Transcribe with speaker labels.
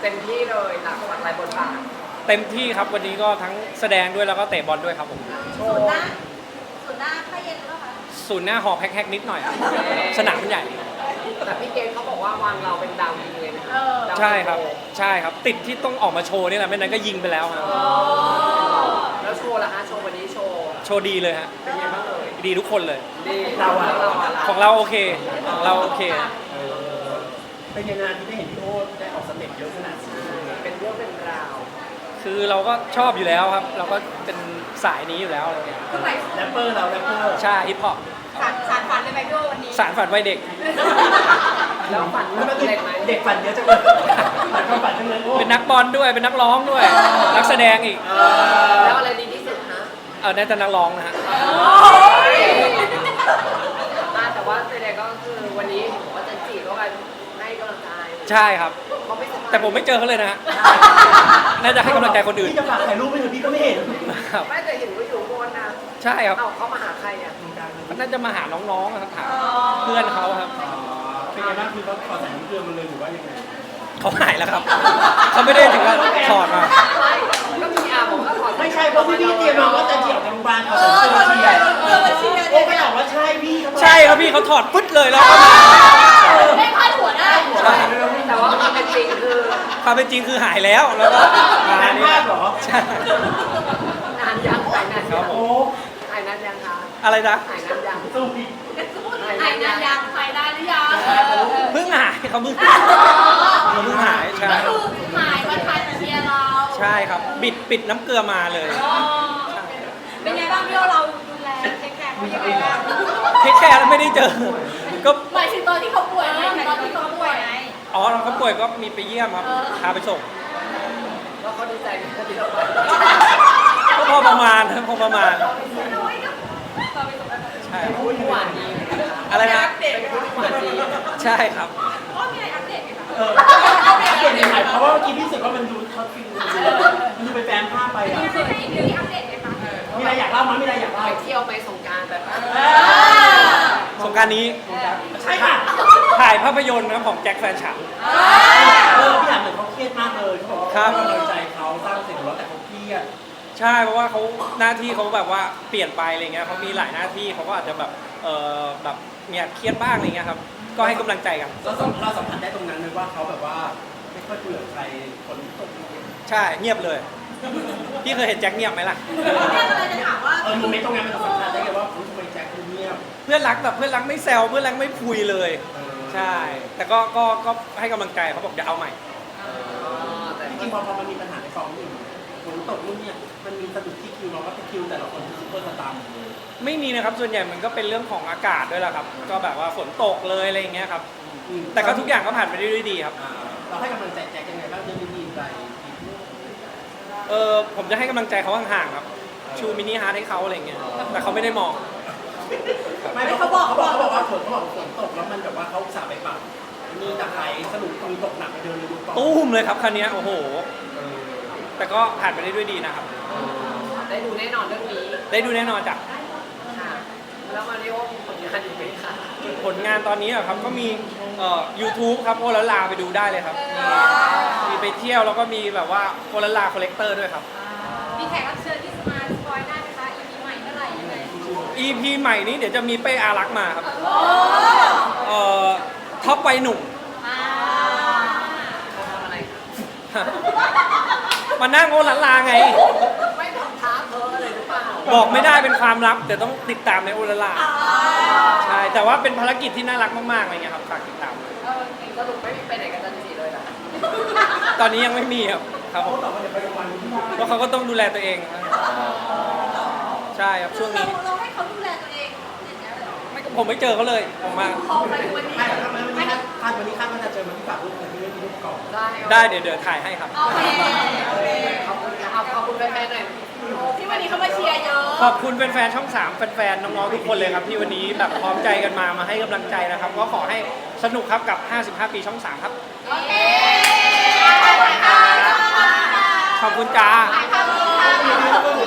Speaker 1: ต็มที่เลยหลากหลายบทบาท
Speaker 2: เต็มที่ครับวันนี้ก็ทั้งแสดงด้วยแล้วก็เตะบอลด้วยครับผม
Speaker 3: ศูนย์หน้าผ้าเย็นหรือเปล่าคะ
Speaker 2: ศูนย์หน้าหอแพ็คนิดหน่อยครับสนามมันใหญ่
Speaker 1: แต่พี่เกณฑ์เขาบอกว่าวางเราเป็นดาวยิงเลยนะ
Speaker 2: ใช่ครับใช่ครับติดที่ต้องออกมาโชว์นี่แหละไม่นั้นก็ยิงไปแล้วครับ
Speaker 1: แล้วโชว์ล่ะคะโชว์วันนี้โชว์
Speaker 2: ดีเลยฮะ
Speaker 1: เป็นไงบ้างเลย
Speaker 2: ดีทุกคนเลย
Speaker 1: ดีเรา
Speaker 2: ของเราโอเคของเราโอเค
Speaker 4: เป็นยังไงที่ได้เห็นพี่โอ๊ตได้ออกสเต็ปเยอะขนาดนี้
Speaker 1: เป็นเรื่องเป็นราว
Speaker 2: คือเราก็ชอบอยู่แล้วครับเราก็เป็นสายนี้อยู่แล้วอะไรเงี้ย
Speaker 3: คือหมาย
Speaker 4: แรปเปอร์เราแรปเปอร์
Speaker 2: ใช่ฮิปฮอป
Speaker 3: สารฝันเลยไหมพี่โอวันนี้
Speaker 2: สารฝันวัยเด็ก
Speaker 1: แล้วฝันเด็กไหม
Speaker 4: เด็กฝันเยอะจังเลยฝันจังเลย
Speaker 2: เป็นนักบอลด้วยเป็นนักร้องด้วยนักแสดงอีก
Speaker 1: แล้วอะไรดีที่สุดฮะ
Speaker 2: น่าจะนักร้องนะฮะ
Speaker 1: แต่ว่าแสดงก็คือวันนี้ผมว่าจะจีบก็ไปให้กำลังใจ
Speaker 2: ใช่ครับแต่ผมไม่เจอเขาเลยนะฮะน่าจะให้กำลังใจคนอื่น
Speaker 4: พี่จะฝากถ่ายรูปให้พี่ก็ไม่เห็น
Speaker 1: ไม่แต่เห็นว่าอยู่บนนะ
Speaker 2: ใช่ครับ
Speaker 1: เขามาหาใครอ่ะ
Speaker 2: น่าจะมาหาน้องๆครับถามเพื่อนเขาครับ
Speaker 4: เป็นไงบ้างคือเขาขอใส่น้ำเกลือมันเลยหรือว่ายังไง
Speaker 2: เขาหายแล้วครับเขาไม่ได้ถึงกับถอดมา
Speaker 1: ก็มีบอกว่าถอด
Speaker 4: ไม่ใช่เพราะพี่เตรียมมาว่าจะเจียวจากโรงพยาบาลเขาใส่เสื้อเชียร์โอ้ไม่บอกว่าใช่พี่
Speaker 2: ใช่ครับพี่เขาถอดปึ๊ดเลยแล้ว
Speaker 3: ไม่พลาดหัวได้
Speaker 1: แต่ว่าความเป็นจริง
Speaker 2: คือหายแล้วแล้วก็
Speaker 4: งานมากเหรอ
Speaker 2: ใช่
Speaker 1: นานยังหายนานยัง
Speaker 4: โอ้
Speaker 1: หายนานยังคะ
Speaker 2: อะไรนะ
Speaker 1: หายนานยัง
Speaker 4: สู้พี่
Speaker 3: หายนานยังหายได้หรือยัง
Speaker 2: เพิ่งหายเขาเพิ่งหายใช่
Speaker 3: ก็คือหายมาทันเชียร์เรา
Speaker 2: ใช่ครับปิดน้ำเกลือมาเลย
Speaker 3: เป็นไงบ้างพี่โอเราดูแลเทคแคร์เขายังไงบ้าง
Speaker 2: เทคแคร์แล้วไม่ได้เจอก็
Speaker 3: หมายถึงตอนที่เขาป่วยไหมตอนที่เขาป่วยไง
Speaker 2: เขาป่วยก็มีไปเยี่ยมครับพาไปส่ง
Speaker 1: แล้วเขาดีใจไหมที่เราไป
Speaker 2: ก็พอประมาณใช่
Speaker 1: พูดหวานดี
Speaker 2: อะไรนะ
Speaker 1: เป็นพูดหวานดี
Speaker 2: ใช่ครับ
Speaker 3: มีอะไรอัปเดตไหมคะ
Speaker 4: อัปเดตยังไงเพราะว่าเมื่อกี้พี่รู้สึกว่ามันดูช็อตฟิลมันดูไปแฟนภาพไปอ่ะ
Speaker 3: มีอัปเดตไหมคะ
Speaker 4: มีอะไรอยากเล่ามั้ยมีอะไรอยากเล่า
Speaker 1: ไปเที่ยวไปสงกรานต์แบบ
Speaker 2: สงกรานต์นี้
Speaker 4: ใช่ค่ะ
Speaker 2: ถ่ายภาพยนตร์นะของแจ็คแฟนฉัน
Speaker 4: พี่ถามเหมือนเขาเครียดมากเลยเขาบอกว่ากำลังใจเขาสร้างเสร็จแล้วแต่เขาเครียด
Speaker 2: ใช่เพราะว่าเขาหน้าที่เขาแบบว่าเปลี่ยนไปอะไรเงี้ยเขามีหลายหน้าที่เขาก็อาจจะแบบแบบเนี่ยเครียดบ้างอะไรเงี้ยครับก็ให้กำลังใจกัน
Speaker 4: เราสัมผัสได้ตรงนั้นเลยว่าเขาแบบว่าไม่ค่อยคุยกับใครคนตก
Speaker 2: ใช่เงียบเลยพี่เคยเห็นแจ็คเงียบไหมล่ะ
Speaker 3: เนี่ยอะไรจะถามว่า
Speaker 4: โมเมนต์ตรงนั้นมันสัมผัสได้ไงว่าทำไมแจ็คเงียบ
Speaker 2: เพื่อนรักแบบเพื่อนรักไม่แซวเพื่อนรักไม่คุยเลยใช่แต่ก็ให้กำลังใจเขาบอกจะเอาใหม่
Speaker 4: แต่จริงๆพอมันมีปัญหาในกองนี่ฝนตกนู่นเนี่ยมันมีสะดุดที่คิวเราก็จะคิวแต่ละคนซุปเปอร์สตาร์เลย
Speaker 2: ไม่มีนะครับส่วนใหญ่มันก็เป็นเรื่องของอากาศด้วยแหละครับก็แบบว่าฝนตกเลยอะไรอย่างเงี้ยครับแต่ก็ทุกอย่างก็ผ่านไปได้ด้วยดีครับ
Speaker 4: เราให้กำลังใจแจ็คยังไงบ้างเรื่องดีๆไป
Speaker 2: ผมจะให้กำลังใจเขาห่างๆครับชูมินิฮาร์ทให้เขาอะไรเงี้ยแต่เขาไม่ได้มอง
Speaker 4: ไม่เขาบอกว่าฝนตกแล้วมันแบบว่าเขาสาไปปรับมีตะไคร้สนุกตรงตกหนักไปเดินเลยดู
Speaker 2: ตุ้มเลยครับคันนี้โอ้โหแต่ก็ผ่านไปได้ด้วยดีนะครับ
Speaker 1: ได้ดูแน่นอนเรื่องนี้
Speaker 2: ได้ดูแน่นอนจ้ะ
Speaker 1: แล้วมาริโอมีผลงานอีกไหมคะ
Speaker 2: ผลงานตอนนี้ครับก็มีYouTube ครับโอลาลาไปดูได้เลยครับมีไปเที่ยวแล้วก็มีแบบว่าโอลาลาคอลเลกเตอร์ด้วยครับ
Speaker 3: มีแขกรับเชิญที่มาสปอยได้ไหมคะ EP ใหม่เมื่อไหร่ยังไง
Speaker 2: EP ใหม่นี้เดี๋ยวจะมีเป้อารักมาครับท็อปวัยหนุ่ม
Speaker 1: ทำอะไร
Speaker 2: มานั่งโอลาลาไง
Speaker 1: ไม่ทำท้าเธอเลยหรือเปล่า
Speaker 2: บอกไม่ได้เป็นความลับแต่ต้องติดตามในโอลาลาใช่แต่ว่าเป็นภารกิจที่น่ารักมากๆอะไรเงี้ยครับฝากติดตาม
Speaker 1: สรุปไม่ไปไหนกันจันทร์เลยนะ
Speaker 2: ตอนนี้ยังไม่มีครับผมเพราะเขาก็ต้องดูแลตัวเองใช่ครับช่วงนี้
Speaker 3: เราให้เขาดูแลตัวเอง
Speaker 2: ผมไม่เจอเขาเลยผมมา
Speaker 4: วันนี้คาดว่าจะเจอมันที่ฝากรูปแต่ที่ไม่มีรูปก่อน
Speaker 2: ได้เดี๋ยวถ่ายให้ครับ
Speaker 3: โอเค
Speaker 1: ขอบคุณแฟนๆหน่อย
Speaker 3: ที่วันนี้เขามาเชียร์เยอะ
Speaker 2: ขอบคุณแฟนๆช่อง3แฟนๆน้องๆทุกคนเลยครับที่วันนี้แบบพร้อมใจกันมาให้กำลังใจนะครับก็ขอให้สนุกครับกับ55ปีช่อง3ครับ
Speaker 3: โอเค
Speaker 2: ขอบคุณจ้า